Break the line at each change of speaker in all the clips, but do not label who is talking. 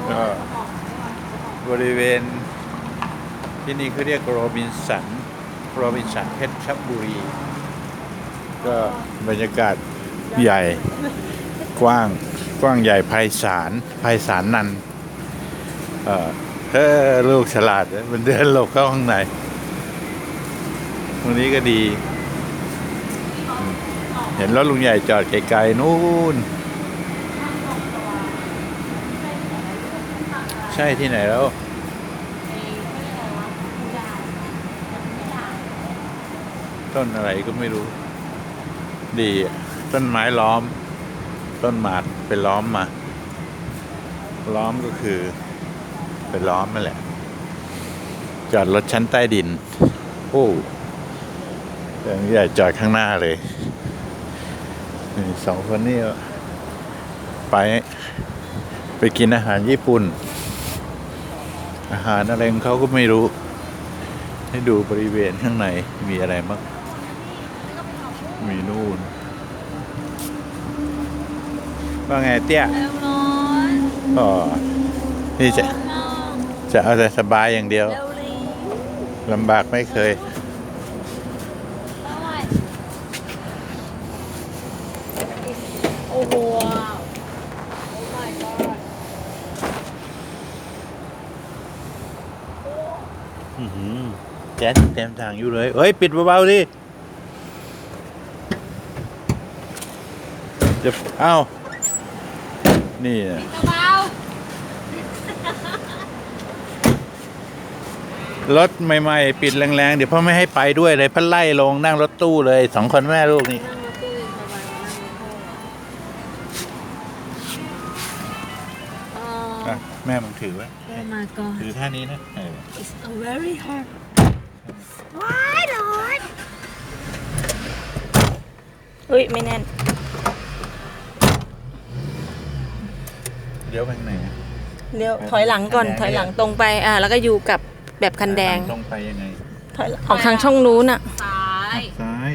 ก็บริเวณที่นี่เขาเรียกโรบินสันเพชรบุรีก็บรรยากาศใหญ่กว้างใหญ่ไพศาลนันท์ลูกฉลาดมันเดินหลบเข้าข้างในตรงนี้ก็ดี เห็นรถลุงใหญ่จอดไกลๆนู่นใช่ที่ไหนแล้วต้นอะไรก็ไม่รู้ดีต้นไม้ล้อมต้นหมากไปล้อมมาล้อมก็คือไปล้อมนั่นแหละจอดรถชั้นใต้ดินโอ้แต่ลุงใหญ่จอดข้างหน้าเลยสองคนนี้ไปกินอาหารญี่ปุ่นอาหารอะไรของเขาก็ไม่รู้ให้ดูบริเวณข้างในมีอะไรบ้างมีนู่นว่าไงเตี้ยอ๋อนี่จะเอาแต่สบายอย่างเดียวลำบากไม่เคย
โอ้โหโอ้ my god
แจ๊สเต็มทางอยู่เลยเฮ้ยปิดเบาๆดิจะเอ้านี่นะ
เบาร
ถใหม่ๆปิดแรงๆเดี๋ยวพ่อไม่ให้ไปด้วยเลยพ่อไล่ลงนั่งรถตู้เลยสองคนแม่ลูกนี่
นั่งรถตู้สบายนั่งรถตู้
แม่มึงถือไว้
โอ้ my god
ถือท่านี้นะ
it's a very hard ว้ายร้อนเฮ้ยไม่แน่น
เดี๋ยวไปไหนอะ
เดี๋ยวถอยหลังก่อนถอยหลังตรงไปแล้วก็อยู่กับแบบคันแดง
ตรงไปยังไง
ถอยออกทางช่องนู้นอ่ะ
ซ้าย
ซ้าย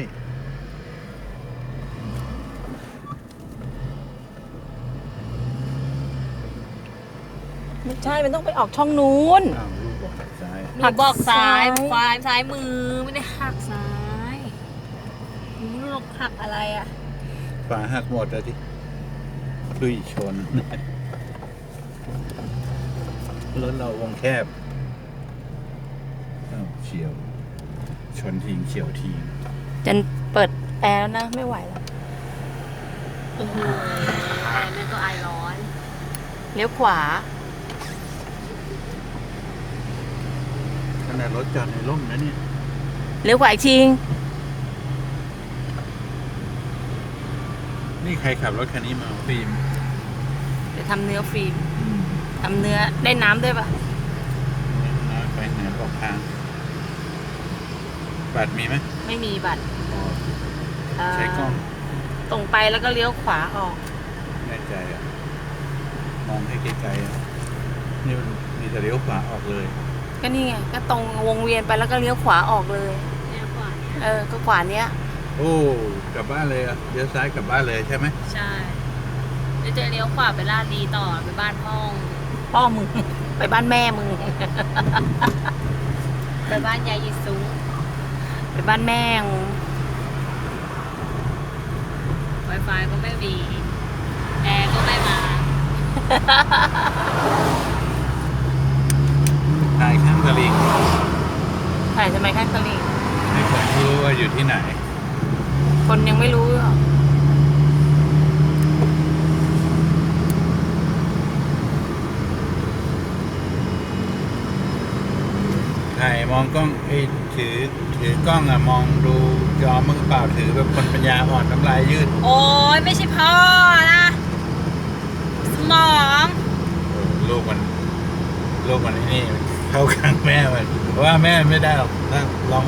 ไม่ใช่มันต้องไปออกช่องนู้น
อ้าวลูกบอกซ้าย
หนูบอกซ้าย
หักซ้าย
ควายซ้ายมือไม่ได้หักซ้ายหนูไม่รู้หรอกหักอะไรอ่ะ
ฝาหักหมดเลยที่ลุยชนรถเราวงแคบอ้าวเฉียวชนทิ้งเฉียวทิ้ง
จันเปิดแอร์แล้วนะไม่ไหวแล้ว
โอ้โหแม่ก็อายร้อน
เลี้ยวขวา
ขนาดรถจอดในร่มนะเนี่ย
เลี้ยวขวาอีกที
นี่ใครขับรถคันนี้มาฟิล์ม
เดี๋ยวทำเนื้อฟิล์มทำเนื้อได้น้ำด้วยปะ
ไปไหนบอกทางบัตรมีไหม
ไม่มีบัตร
ใช้กล้อง
ตรงไปแล้วก็เลี้ยวขวาออก
แน่ใจอ่ะ มองให้ไกลๆอ่ะนี่มันมีแต่เลี้ยวขวาออกเลย
ก็นี่ไงก็ตรงวงเวียนไปแล้วก็เลี้ยวขวาออกเลย
เนี่ยขวาเนี่ย
ก็ขวาเนี้ย
โอ้กลับบ้านเลยอ่ะเลี้ยวซ้ายกลับบ้านเลยใช่ไหม
ใช่เดี๋ยวจะเลี้ยวขวาไปลาดดีต่อไปบ้านห้อง
พ่อมึง ไปบ้านแม่มึง
ไปบ้านยายยิซุง
ไปบ้านแม่ง
Wi-Fi ก็ไม่มีแอร์ก็ไม่มา
ถ่ายข้างตลิ่ง
ถ่ายทำไมข้างตลิ่ง
ให้คนรู้ว่าอยู่ที่ไหน
คนยังไม่รู้หรอก
ถ่ายมองกล้องถือกล้องอ่ะมองดูจอมึงเปล่าถือแบบคนปัญญาอ่อนน้ำลายยืด
โอ้ยไม่ใช่พ่อนะสมอง
ลูกมันไอ้นี่เข้าข้างแม่มันเพราะว่าแม่ไม่ได้หรอกถ้าลอง